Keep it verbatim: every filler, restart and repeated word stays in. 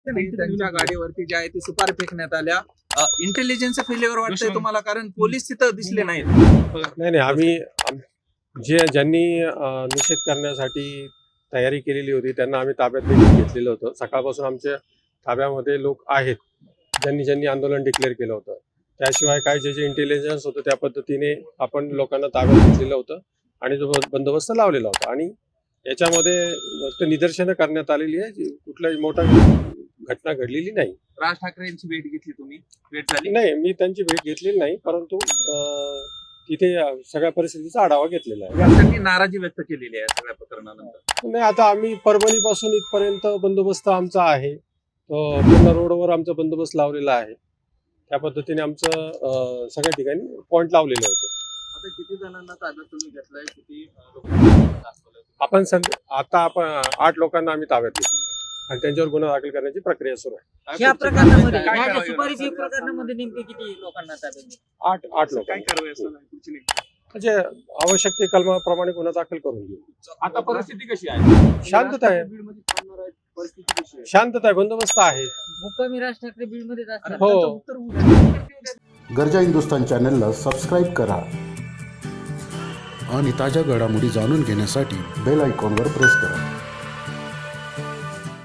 त्यांच्या गाडीवरती जे आहे ते सुपारी फेकण्यात आल्या. इंटेलिजन्स फेल्युअर वाटतंय तुम्हाला, कारण पोलीस तिथं दिसले नाहीत? नाही नाही आम्ही आम- जे ज्यांनी अं, निषेध करण्यासाठी तयारी केलेली होती त्यांना आम्ही ताब्यात देखील घेतलेलं होतं. सकाळपासून आमच्या ताब्यामध्ये लोक आहेत ज्यांनी ज्यांनी आंदोलन डिक्लेअर केलं होतं. त्याशिवाय काय जे जे इंटेलिजन्स होतं त्या पद्धतीने आपण लोकांना ताब्यात घेतलेलं होतं आणि जो बंदोबस्त लावलेला होता. आणि याच्यामध्ये फक्त निदर्शनं करण्यात आलेली आहे, जी कुठलाही मोठा घटना घडलेली नाही. राज ठाकरेंची भेट घेतली तुम्ही? भेट झाली? नाही, मी त्यांची भेट घेतलेली नाही, परंतु अं, तिथे सगळ्या परिस्थितीचा आढावा घेतलेला आहे. त्यांनी नाराजी व्यक्त केलेली आहे सगळ्या प्रकरणानंतर. नाही, आता आम्ही परभणीपासून इथपर्यंत बंदोबस्त आमचा आहे, तो पूर्ण रोडवर आमचा बंदोबस्त लावलेला आहे. त्या पद्धतीने आमचं अं, सगळ्या ठिकाणी पॉईंट लावलेले होते. आता किती जणांना ताब्यात तुम्ही घेतलाय? किती अं, लोकांना दाखवलंय? आपण सध्या आता आपण आठ लोकांना आम्ही ताब्यात घेतलेलो आहे आणि त्यांच्यावर गुन्हा दाखल करण्याची प्रक्रिया सुरू आहे. या प्रकरणामध्ये काय ह्या कारवाई सुपारीच्या होणार? प्रकरणामध्ये नेमके किती लोकांना ताब्यात घेतलं? आठ आठ लोक काय कारवाई असणार आहे पुढची नेमकी? म्हणजे आवश्यक ते कलमाप्रमाणे गुन्हा दाखल करून घेऊ. आता परिस्थिती कशी आहे? शांतता आहे, परिस्थिती कशी आहे? शांतता आहे, बंदोबस्त आहे. मुक्कामी राज ठाकरे बीडमध्येच असतात. हो. गर्जा हिंदुस्तान चॅनलला सबस्क्राईब करा आणि ताज्या घडामोडी जाणून घेण्यासाठी बेल आयकॉनवर प्रेस करा.